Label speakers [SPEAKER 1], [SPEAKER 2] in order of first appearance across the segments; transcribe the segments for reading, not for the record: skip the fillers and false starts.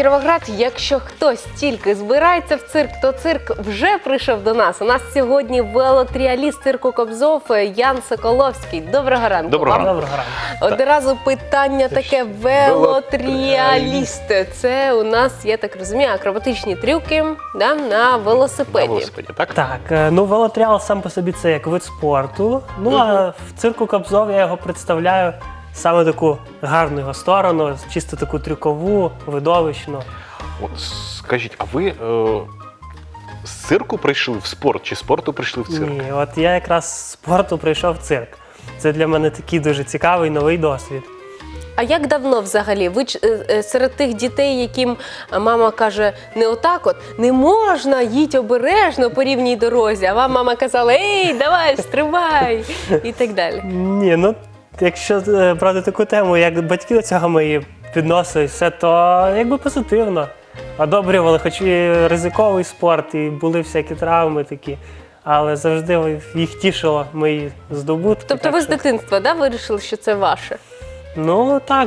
[SPEAKER 1] Кіровоград. Якщо хтось тільки збирається в цирк, то цирк вже прийшов до нас. У нас сьогодні велотріаліст цирку Кобзов Ян Соколовський. Доброго ранку.
[SPEAKER 2] Доброго
[SPEAKER 1] вам.
[SPEAKER 2] ранку.
[SPEAKER 1] Одразу питання таке: велотріаліст. Це у нас, я так розумію, акробатичні трюки на велосипеді.
[SPEAKER 2] На велосипеді, так?
[SPEAKER 3] Так, ну велотріал сам по собі це як вид спорту. Ну а в цирку Кобзов я його представляю саме таку гарну його сторону, чисто таку трюкову, видовищну.
[SPEAKER 2] От, скажіть, а ви з цирку прийшли в спорт, чи з спорту прийшли в цирк?
[SPEAKER 3] Ні, от я якраз з спорту прийшов в цирк. Це для мене такий дуже цікавий новий досвід.
[SPEAKER 1] А як давно взагалі? Ви серед тих дітей, яким мама каже, не отак от, не можна, їдь обережно по рівній дорозі, а вам мама казала, ей, давай, стрибай, і так далі?
[SPEAKER 3] Ні, ну якщо брати таку тему, як батьки до цього мої підносили все, то якби позитивно. Одобрювали, хоч і ризиковий спорт, і були всякі травми такі, але завжди їх тішило мої здобутки.
[SPEAKER 1] Тобто ви з дитинства, вирішили, що це ваше?
[SPEAKER 3] Ну так,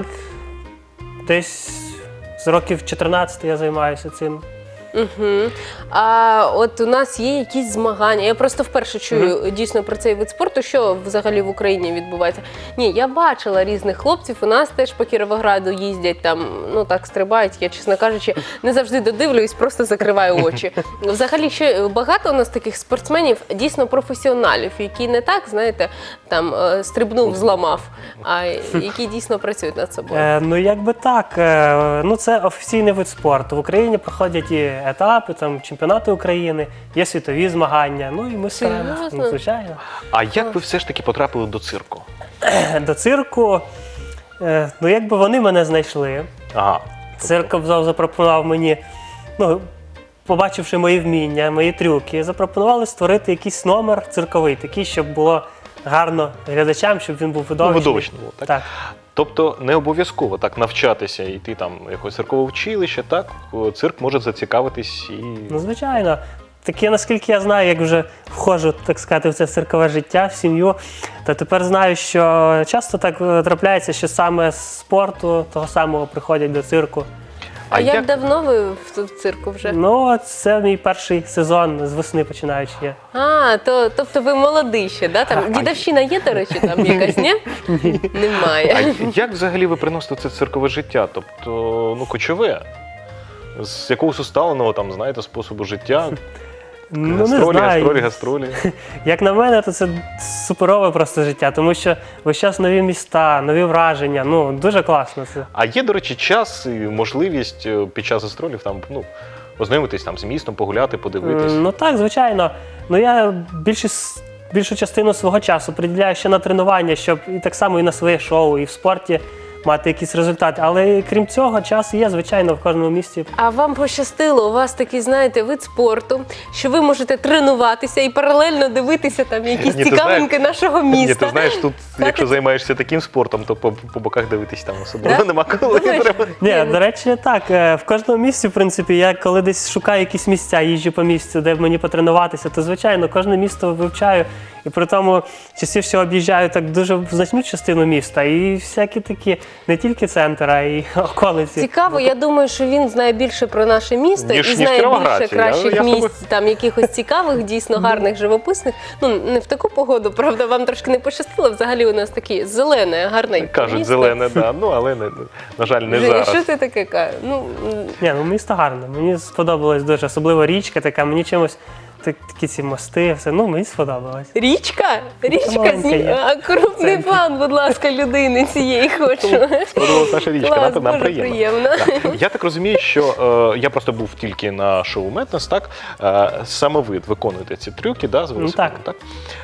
[SPEAKER 3] десь з років 14 я займаюся цим.
[SPEAKER 1] Угу. А от у нас є якісь змагання. Я просто вперше чую дійсно про цей вид спорту, що взагалі в Україні відбувається. Ні, я бачила різних хлопців, у нас теж по Кіровограду їздять, там, ну так, стрибають. Я, чесно кажучи, не завжди додивлююсь, просто закриваю очі. Взагалі, ще багато у нас таких спортсменів, дійсно професіоналів, які не так, знаєте, там, стрибнув, зламав, а які дійсно працюють над собою.
[SPEAKER 3] Ну якби так, ну це офіційний вид спорту. В Україні проходять і етапи, там, чемпіонати України, є світові змагання, ну і ми стараємося,
[SPEAKER 1] Серйозно?
[SPEAKER 3] Звичайно.
[SPEAKER 2] А як ви все ж таки потрапили до цирку?
[SPEAKER 3] До цирку, ну якби вони мене знайшли.
[SPEAKER 2] Ага.
[SPEAKER 3] Цирк Кобзов запропонував мені, ну, побачивши мої вміння, мої трюки, запропонували створити якийсь номер цирковий, такий, щоб було гарно глядачам, щоб він був видовищний.
[SPEAKER 2] Видовищно було, так?
[SPEAKER 3] Так.
[SPEAKER 2] Тобто не обов'язково так навчатися, йти там в якесь циркове училище, так? Цирк може зацікавитись і...
[SPEAKER 3] Ну, звичайно. Таке, наскільки я знаю, як вже входжу, так сказати, в це циркове життя, в сім'ю, то тепер знаю, що часто так трапляється, що саме з спорту того самого приходять до цирку.
[SPEAKER 1] А як давно ви в цирку вже?
[SPEAKER 3] Ну, це мій перший сезон, з весни починаючи.
[SPEAKER 1] А, тобто ви молодий ще, да? Там дідовщина є, до речі, там якась, ні? Немає.
[SPEAKER 2] А як взагалі ви приносите це циркове життя? Тобто, ну, кочове? З якогось усталеного, там, знаєте, способу життя?
[SPEAKER 3] Ну, не
[SPEAKER 2] Гастролі,
[SPEAKER 3] знаю.
[SPEAKER 2] гастролі.
[SPEAKER 3] Як на мене, то це суперове просто життя, тому що весь час нові міста, нові враження, ну, дуже класно це.
[SPEAKER 2] А є, до речі, час і можливість під час гастролів там, ну, ознайомитись там з містом, погуляти, подивитись?
[SPEAKER 3] Ну так, звичайно. Ну я більшу частину свого часу приділяю ще на тренування, щоб і так само і на своє шоу, і в спорті мати якісь результати. Але крім цього, час є, звичайно, в кожному місті.
[SPEAKER 1] А вам пощастило, у вас такий, знаєте, вид спорту, що ви можете тренуватися і паралельно дивитися там якісь
[SPEAKER 2] Ні, ти
[SPEAKER 1] цікавинки нашого міста.
[SPEAKER 2] Ні, ти знаєш, тут, якщо займаєшся таким спортом, то по боках дивитись там особливо нема коли.
[SPEAKER 1] Думаєш?
[SPEAKER 3] Ні, до речі, так. В кожному місці, в принципі, я коли десь шукаю якісь місця, їжджу по місцю, де мені потренуватися, то, звичайно, кожне місто вивчаю. І при тому частіше об'їжджаю так дуже значну частину міста. І всякі такі, не тільки центр, а й околиці.
[SPEAKER 1] Цікаво, я думаю, що він знає більше про наше місто
[SPEAKER 2] Ніж
[SPEAKER 1] і знає
[SPEAKER 2] Кіровоград.
[SPEAKER 1] більше кращих
[SPEAKER 2] Я
[SPEAKER 1] місць, там якихось цікавих, дійсно гарних, живописних. Ну, не в таку погоду, правда, вам трошки не пощастило. Взагалі у нас таке зелене, гарне
[SPEAKER 2] Кажуть,
[SPEAKER 1] місто.
[SPEAKER 2] зелене, да. Ну, але, на жаль, не
[SPEAKER 1] Женя,
[SPEAKER 2] зараз.
[SPEAKER 1] що ти таке кажеш?
[SPEAKER 3] Ні, ну місто гарне. Мені сподобалось дуже, особливо річка така, мені чимось такі ці мости, все, ну мені сподобалось.
[SPEAKER 1] Річка? Річка?
[SPEAKER 3] Маленька є.
[SPEAKER 1] А крупний план, будь ласка, людини цієї хочу.
[SPEAKER 2] Сподобалась наша річка,
[SPEAKER 1] Клас,
[SPEAKER 2] нам
[SPEAKER 1] дуже приємно.
[SPEAKER 2] Так. Я так розумію, що я просто був тільки на шоу Метнес, так? Саме ви виконуєте ці трюки, да, з велосипедом, так?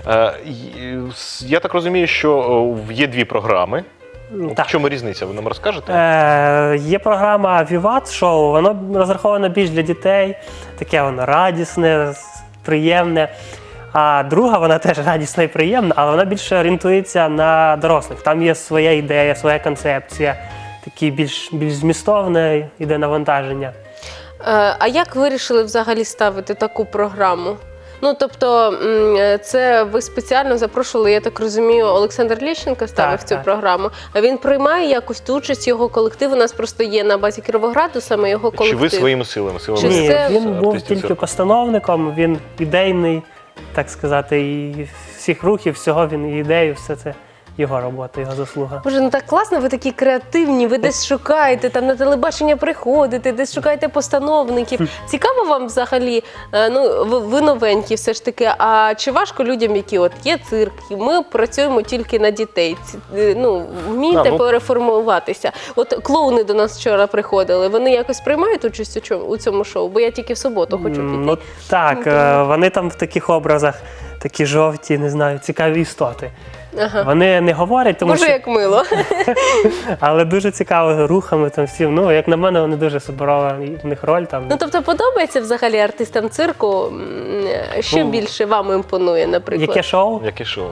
[SPEAKER 2] Я так розумію, що є дві програми.
[SPEAKER 3] Так.
[SPEAKER 2] В чому різниця? Ви нам розкажете?
[SPEAKER 3] Є програма Vivat шоу, воно розраховане більш для дітей, таке воно радісне, приємне. А друга, вона теж радісна і приємна, але вона більше орієнтується на дорослих. Там є своя ідея, своя концепція, такі більш змістовне іде навантаження.
[SPEAKER 1] А як вирішили взагалі ставити таку програму? Ну, тобто, це ви спеціально запрошували, я так розумію, Олександр Лещенко ставив
[SPEAKER 3] Так,
[SPEAKER 1] цю
[SPEAKER 3] так.
[SPEAKER 1] програму. А він приймає якось ту участь, його колектив? У нас просто є на базі Кіровограду саме його
[SPEAKER 2] Чи
[SPEAKER 1] колектив.
[SPEAKER 2] ви своїми силами?
[SPEAKER 1] Чи
[SPEAKER 3] Ні,
[SPEAKER 1] це-
[SPEAKER 3] він був
[SPEAKER 2] артистів
[SPEAKER 3] тільки
[SPEAKER 2] цирку?
[SPEAKER 3] постановником, він ідейний, так сказати, і всіх рухів, всього він і ідею, все це його робота, його заслуга.
[SPEAKER 1] Боже, ну так класно, ви такі креативні, ви десь шукаєте, там на телебачення приходите, десь шукаєте постановників. Цікаво вам взагалі, ну, ви новенькі все ж таки, а чи важко людям, які от є цирк, і ми працюємо тільки на дітей, ну, вмієте
[SPEAKER 2] Ну,
[SPEAKER 1] переформуватися? От клоуни до нас вчора приходили, вони якось приймають участь у цьому шоу? Бо я тільки в суботу хочу піти.
[SPEAKER 3] Ну так, вони там в таких образах, такі жовті, не знаю, цікаві істоти.
[SPEAKER 1] Ага.
[SPEAKER 3] Вони не говорять, тому
[SPEAKER 1] Боже,
[SPEAKER 3] що,
[SPEAKER 1] як мило.
[SPEAKER 3] але дуже цікаво рухами там всім. Ну, як на мене, вони дуже суперова в них роль там.
[SPEAKER 1] Ну, тобто подобається взагалі артистам цирку? Що
[SPEAKER 2] Ну,
[SPEAKER 1] більше вам імпонує, наприклад?
[SPEAKER 3] Яке шоу?
[SPEAKER 2] Яке шоу?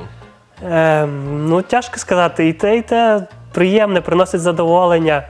[SPEAKER 3] Ну, тяжко сказати. І те приємне, приносить задоволення.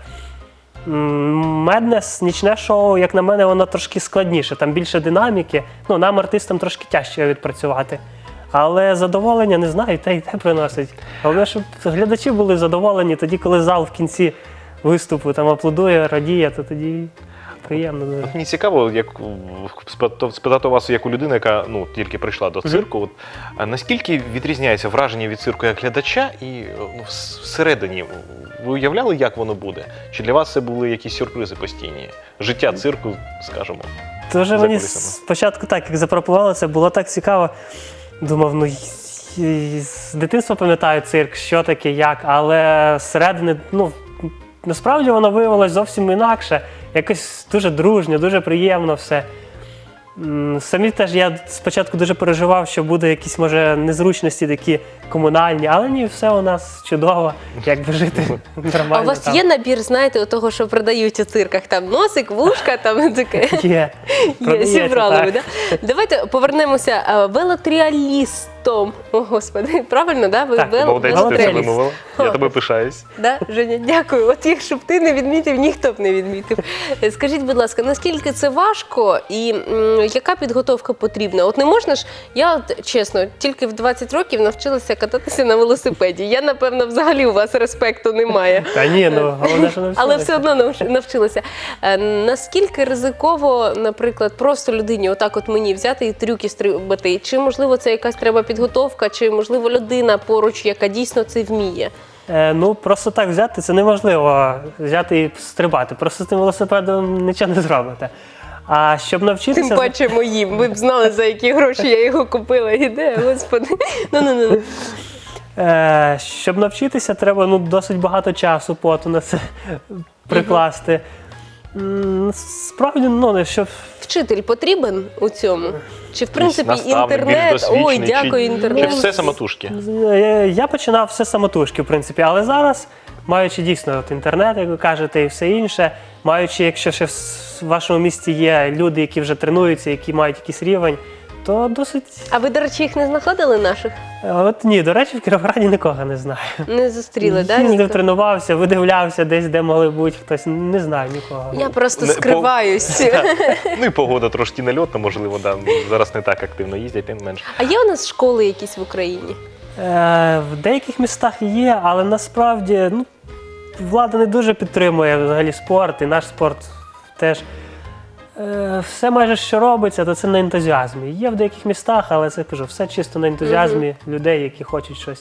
[SPEAKER 3] Меднес, нічне шоу, як на мене, воно трошки складніше, там більше динаміки. Ну, нам, артистам, трошки тяжче відпрацювати. Але задоволення, не знаю, і те приносить. Головне, щоб глядачі були задоволені тоді, коли зал в кінці виступу там аплодує, радіє, то тоді приємно дуже.
[SPEAKER 2] От мені цікаво, як спитати у вас, як у людини, яка ну тільки прийшла до цирку. От, а наскільки відрізняється враження від цирку як глядача і ну, всередині? Ви уявляли, як воно буде? Чи для вас це були якісь сюрпризи постійні? Життя цирку, скажімо.
[SPEAKER 3] Дуже
[SPEAKER 2] за
[SPEAKER 3] мені
[SPEAKER 2] кулісами.
[SPEAKER 3] спочатку так, як запропонували, це було так цікаво. Думав, ну з дитинства пам'ятаю цирк, що таке, як, але зсередини, ну, насправді воно виявилось зовсім інакше. Якось дуже дружньо, дуже приємно все. Самі теж я спочатку дуже переживав, що буде якісь, може, незручності такі комунальні, але ні, все у нас чудово, якби жити нормально.
[SPEAKER 1] А у вас
[SPEAKER 3] там.
[SPEAKER 1] є набір, знаєте, того, що продають у цирках? Там носик, вушка, там таке.
[SPEAKER 3] Є.
[SPEAKER 1] Є,
[SPEAKER 3] Продається,
[SPEAKER 1] зібрали
[SPEAKER 3] так.
[SPEAKER 1] ви, да? Давайте повернемося велотріалістом. О, Господи, правильно, да? Ви
[SPEAKER 3] Так,
[SPEAKER 2] Молодець, ти це
[SPEAKER 1] велотріаліст.
[SPEAKER 2] вимовила. Я тобі пишаюсь.
[SPEAKER 1] Да, Женя, дякую. От якщо б ти не відмітив, ніхто б не відмітив. Скажіть, будь ласка, наскільки це важко і яка підготовка потрібна? От не можна ж, я от, чесно, тільки в 20 років навчилася кататися на велосипеді. Я, напевно, взагалі у вас респекту немає.
[SPEAKER 3] Та ні, ну головне, що
[SPEAKER 1] Але все одно навчилася. Наскільки ризиково, наприклад, просто людині, отак от мені взяти і трюки стрибати? Чи, можливо, це якась треба підготовка, чи, можливо, людина поруч, яка дійсно це вміє?
[SPEAKER 3] Ну, просто так взяти, це неможливо взяти і стрибати. Просто з тим велосипедом нічого не зробите. А щоб навчитися...
[SPEAKER 1] Тим паче моїм. Ви б знали, за які гроші я його купила. Іде, господи. Ну.
[SPEAKER 3] Щоб навчитися, треба ну, досить багато часу, поту на це прикласти. Справді, ну, щоб...
[SPEAKER 1] Вчитель потрібен у цьому? Чи, в принципі,
[SPEAKER 2] наставник, більш
[SPEAKER 1] інтернет? Ой,
[SPEAKER 2] досвідчений,
[SPEAKER 1] дякую,
[SPEAKER 2] Чи
[SPEAKER 1] інтернет.
[SPEAKER 2] все самотужки?
[SPEAKER 3] Я починав все самотужки, в принципі, але зараз, маючи дійсно от інтернет, як ви кажете, і все інше, маючи, якщо ще в вашому місті є люди, які вже тренуються, які мають якийсь рівень, то досить...
[SPEAKER 1] А ви, до речі, їх не знаходили наших?
[SPEAKER 3] От ні, до речі, в Кіровограді нікого не знаю.
[SPEAKER 1] Не зустріли, так?
[SPEAKER 3] Їздив, тренувався, видивлявся десь, де могли бути хтось, не знаю нікого.
[SPEAKER 1] Я просто
[SPEAKER 2] Не,
[SPEAKER 1] скриваюсь.
[SPEAKER 2] Ну і погода трошки нальотна, можливо, да. Зараз не так активно їздять, тим менше.
[SPEAKER 1] А є у нас школи якісь в Україні?
[SPEAKER 3] В деяких містах є, але насправді ну, влада не дуже підтримує взагалі спорт, і наш спорт теж. Все майже, що робиться, то це на ентузіазмі. Є в деяких містах, але це кажу, все чисто на ентузіазмі людей, які хочуть щось.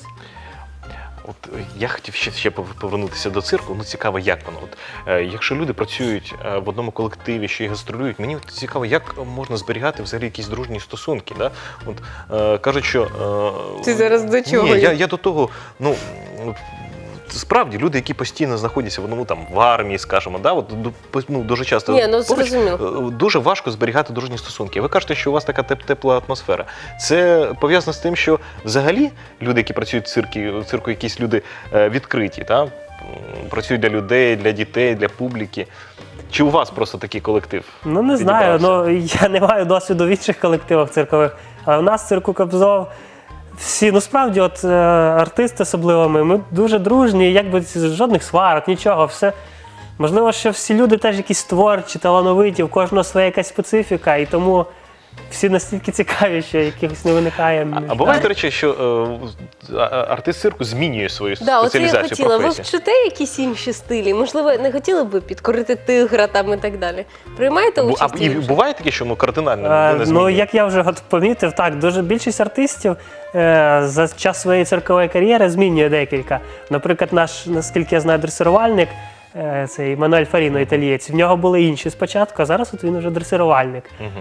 [SPEAKER 2] От я хотів ще повернутися до цирку. Ну цікаво, як воно. От якщо люди працюють в одному колективі, що й гастролюють, мені от цікаво, як можна зберігати взагалі якісь дружні стосунки. Да? От кажуть, що
[SPEAKER 1] Ти зараз до чого?
[SPEAKER 2] Ні, я до того, ну. Справді, люди, які постійно знаходяться в одному там в армії, скажімо, да, от, ну, дуже часто
[SPEAKER 1] Ні, ну, зрозуміло.
[SPEAKER 2] дуже важко зберігати дружні стосунки. Ви кажете, що у вас така тепла атмосфера. Це пов'язано з тим, що взагалі люди, які працюють в цирку, якісь люди відкриті, та? Працюють для людей, для дітей, для публіки. Чи у вас просто такий колектив?
[SPEAKER 3] Ну не знаю, ну я не маю досвіду в інших колективах циркових, але в нас в цирку Кобзов всі, ну справді, от артисти особливо ми дуже дружні, якби жодних сварок, нічого, все. Можливо, що всі люди теж якісь творчі, талановиті, в кожного своя якась специфіка, і тому всі настільки цікаві, що якихось не виникає.
[SPEAKER 2] А буває, до речі, що артист цирку змінює свою
[SPEAKER 1] Да, оце я
[SPEAKER 2] спеціалізацію,
[SPEAKER 1] хотіла. Ви
[SPEAKER 2] професію?
[SPEAKER 1] вчите якісь інші стилі? Можливо, не хотіли б підкорити тигра там і так далі? Приймаєте участь?
[SPEAKER 2] І
[SPEAKER 1] у інших?
[SPEAKER 2] буває таке, що кардинально не
[SPEAKER 3] Ну,
[SPEAKER 2] змінює?
[SPEAKER 3] як я вже помітив, так, дуже більшість артистів за час своєї циркової кар'єри змінює декілька. Наприклад, наскільки я знаю, дресирувальник, цей Мануель Фаріно, італієць, в нього були інші спочатку, а зараз от він вже дресирувальник.
[SPEAKER 2] Мгм.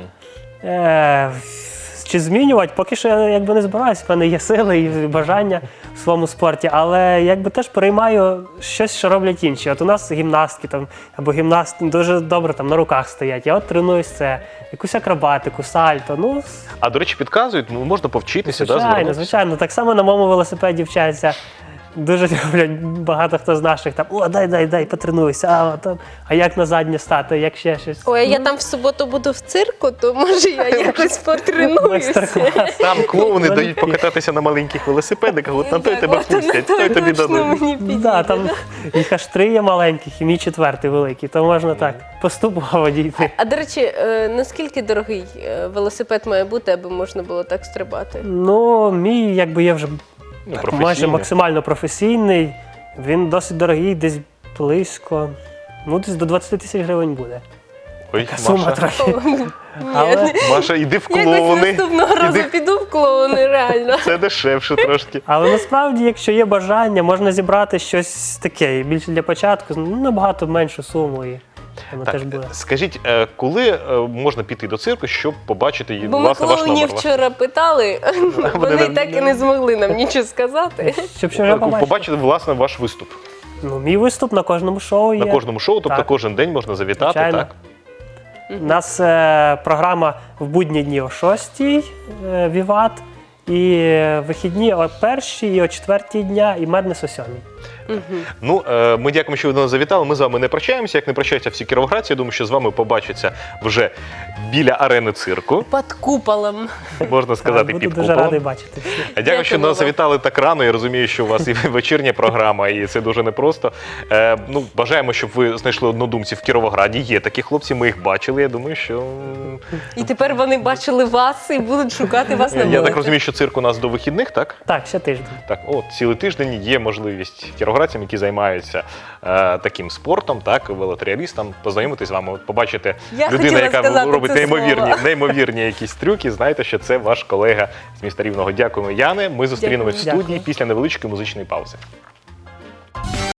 [SPEAKER 3] Чи змінювати? Поки що я якби не збираюся, в мене є сили і бажання в своєму спорті, але якби теж переймаю щось, що роблять інші. От у нас гімнастки там, або гімнасти дуже добре там на руках стоять. Я от тренуюсь це, якусь акробатику, сальто. Ну,
[SPEAKER 2] А, до речі, підказують, можна повчитися,
[SPEAKER 3] звичайно,
[SPEAKER 2] звернутися?
[SPEAKER 3] звичайно. Так само на моєму велосипеді вчаться. Дуже люблять багато хто з наших там, о, дай, потренуйся, а як на заднє стати, як ще щось.
[SPEAKER 1] Ой, а я там в суботу буду в цирку, то може я якось потренуюся.
[SPEAKER 3] Майстер-клас.
[SPEAKER 2] Там клоуни
[SPEAKER 3] Вони
[SPEAKER 2] дають покататися на маленьких велосипедиках, от на той
[SPEAKER 1] Так,
[SPEAKER 2] тебе
[SPEAKER 1] от на
[SPEAKER 2] пустять,
[SPEAKER 1] той
[SPEAKER 2] той тобі
[SPEAKER 1] точно
[SPEAKER 2] дадуть.
[SPEAKER 1] мені підійде.
[SPEAKER 3] Да, там їх аж 3 є маленьких, і мій 4-й великий, то можна так поступово дійти.
[SPEAKER 1] А до речі, наскільки дорогий велосипед має бути, аби можна було так стрибати?
[SPEAKER 3] Ну, мій якби є вже
[SPEAKER 2] Ну,
[SPEAKER 3] майже
[SPEAKER 2] професійний.
[SPEAKER 3] максимально професійний. Він досить дорогий, десь близько, десь до 20 тисяч гривень буде.
[SPEAKER 2] Ой,
[SPEAKER 3] Сума
[SPEAKER 2] Маша,
[SPEAKER 3] трохи.
[SPEAKER 1] Ні,
[SPEAKER 3] Але,
[SPEAKER 2] Маша, іди в
[SPEAKER 1] якось
[SPEAKER 2] клоуни.
[SPEAKER 1] наступного разу
[SPEAKER 2] Іди.
[SPEAKER 1] піду в клоуни, реально.
[SPEAKER 2] Це дешевше трошки.
[SPEAKER 3] але насправді, якщо є бажання, можна зібрати щось таке, більше для початку, набагато меншу суму, і воно
[SPEAKER 2] Так,
[SPEAKER 3] теж буде.
[SPEAKER 2] скажіть, коли можна піти до цирку, щоб побачити
[SPEAKER 1] Бо ми
[SPEAKER 2] власне ваш
[SPEAKER 1] клоунів
[SPEAKER 2] номер?
[SPEAKER 1] вчора питали, вони
[SPEAKER 2] не-
[SPEAKER 1] так і не змогли нам нічого сказати.
[SPEAKER 3] Щоб що вже побачити.
[SPEAKER 2] Побачити власне ваш виступ
[SPEAKER 3] Ну, мій виступ на кожному шоу є.
[SPEAKER 2] на кожному шоу, тобто
[SPEAKER 3] Так.
[SPEAKER 2] кожен день можна завітати,
[SPEAKER 3] Звичайно.
[SPEAKER 2] так?
[SPEAKER 3] У нас програма в будні дні о 6-й, Віват, і вихідні о 1-й і о 4-й дня, і Меднес о 7-й.
[SPEAKER 2] Ну, ми дякуємо, що ви до нас завітали. Ми з вами не прощаємося. Як не прощаються всі кіровоградці, я думаю, що з вами побачаться вже біля арени цирку,
[SPEAKER 1] Під куполом.
[SPEAKER 2] можна сказати,
[SPEAKER 3] Буду
[SPEAKER 2] під
[SPEAKER 3] дуже
[SPEAKER 2] куполом.
[SPEAKER 3] радий бачити всіх.
[SPEAKER 2] Дякую, що до
[SPEAKER 1] Дякуємо
[SPEAKER 2] нас
[SPEAKER 1] вам.
[SPEAKER 2] завітали так рано. Я розумію, що у вас і вечірня програма, і це дуже непросто. Бажаємо, щоб ви знайшли однодумців в Кіровограді. Є такі хлопці, ми їх бачили. Я думаю, що
[SPEAKER 1] І тепер вони бачили вас і будуть шукати вас на
[SPEAKER 2] я
[SPEAKER 1] вулиці.
[SPEAKER 2] так розумію, що цирк у нас до вихідних, так?
[SPEAKER 3] Так, ще тиждень.
[SPEAKER 2] Так, цілий тиждень є можливість кіровоградцям, які займаються таким спортом, так, велотріалістам, познайомитись з вами, побачити
[SPEAKER 1] Я
[SPEAKER 2] людину,
[SPEAKER 1] хотіла
[SPEAKER 2] яка
[SPEAKER 1] сказати
[SPEAKER 2] робить
[SPEAKER 1] це слово.
[SPEAKER 2] неймовірні якісь трюки. Знаєте, що це ваш колега з міста Рівного. Дякуємо, Яне. Ми зустрінемось в
[SPEAKER 3] Дякую.
[SPEAKER 2] студії після невеличкої музичної паузи.